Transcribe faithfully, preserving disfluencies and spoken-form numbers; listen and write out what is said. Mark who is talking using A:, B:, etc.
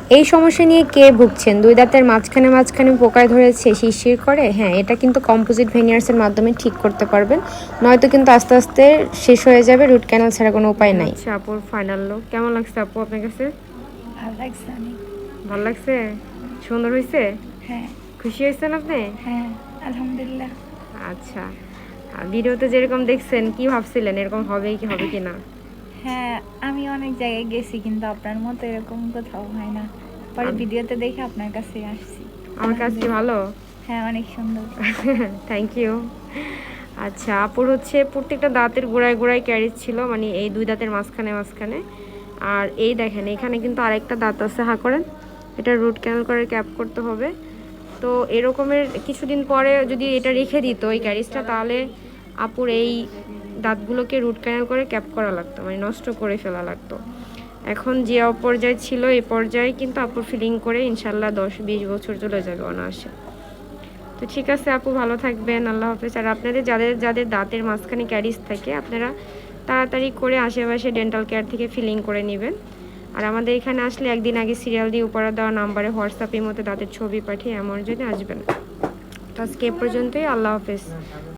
A: এই সমস্যা নিয়ে কে ভুগছেন? দুই দাঁতের মাঝখানে মাঝখানে পোকায় ধরেছে, শিরশির করে? হ্যাঁ, এটা কিন্তু কম্পোজিট ভেনিয়ার্সের মাধ্যমে ঠিক করতে পারবেন, নয়তো কিন্তু আস্তে আস্তে শেষ হয়ে যাবে। রুট ক্যানাল ছাড়া কোনো উপায় নাই। আচ্ছা আপুর ফাইনাল লুক কেমন লাগছে আপু আপনার কাছে?
B: ভালো লাগছে অনেক।
A: ভালো লাগছে? সুন্দর হয়েছে?
B: হ্যাঁ।
A: খুশি হয়েছেন আপনি?
B: হ্যাঁ আলহামদুলিল্লাহ।
A: আচ্ছা, ভিডিওতে যেরকম দেখছেন কি ভাবছিলেন এরকম হবে কি হবে কি না?
B: হ্যাঁ আমি অনেক জায়গায় গেছি কিন্তু আপনার মতো এরকম কোথাও হয় না, পরে ভিডিওতে দেখে আপনার কাছে আসছি।
A: আমার কাছে ভালো?
B: হ্যাঁ অনেক সুন্দর।
A: Thank you. আচ্ছা, আপুর হচ্ছে প্রত্যেকটা দাঁতের গোড়ায় গোড়ায় ক্যারিজ ছিল, মানে এই দুই দাঁতের মাঝখানে মাঝখানে। আর এই দেখেন এখানে কিন্তু আরেকটা দাঁত আছে, হা করেন, এটা রুট ক্যানাল করে ক্যাপ করতে হবে। তো এরকমের কিছুদিন পরে যদি এটা রেখে দিত এই ক্যারিজটা, তাহলে আপুর এই দাঁতগুলোকে রুট ক্যানাল করে ক্যাপ করা লাগতো, মানে নষ্ট করে ফেলা লাগতো। এখন যে অপর্যায় ছিল এই পর্যায়ে কিন্তু আপুর ফিলিং করে ইনশাল্লাহ দশ বিশ বছর চলে যাবে অনায়াসে। তো ঠিক আছে আপু, ভালো থাকবেন, আল্লাহ হাফেজ। আর আপনাদের যাদের যাদের দাঁতের মাঝখানে ক্যারিজ থাকে আপনারা তাড়াতাড়ি করে আশেপাশে ডেন্টাল কেয়ার থেকে ফিলিং করে নেবেন। আর আমাদের এখানে আসলে একদিন আগে সিরিয়াল দিয়ে উপরে দেওয়া নাম্বারে হোয়াটসঅ্যাপের মধ্যে দাঁতের ছবি পাঠিয়ে এমন জন্য আসবেন। তো আজকে এ পর্যন্তই, আল্লাহ হাফেজ।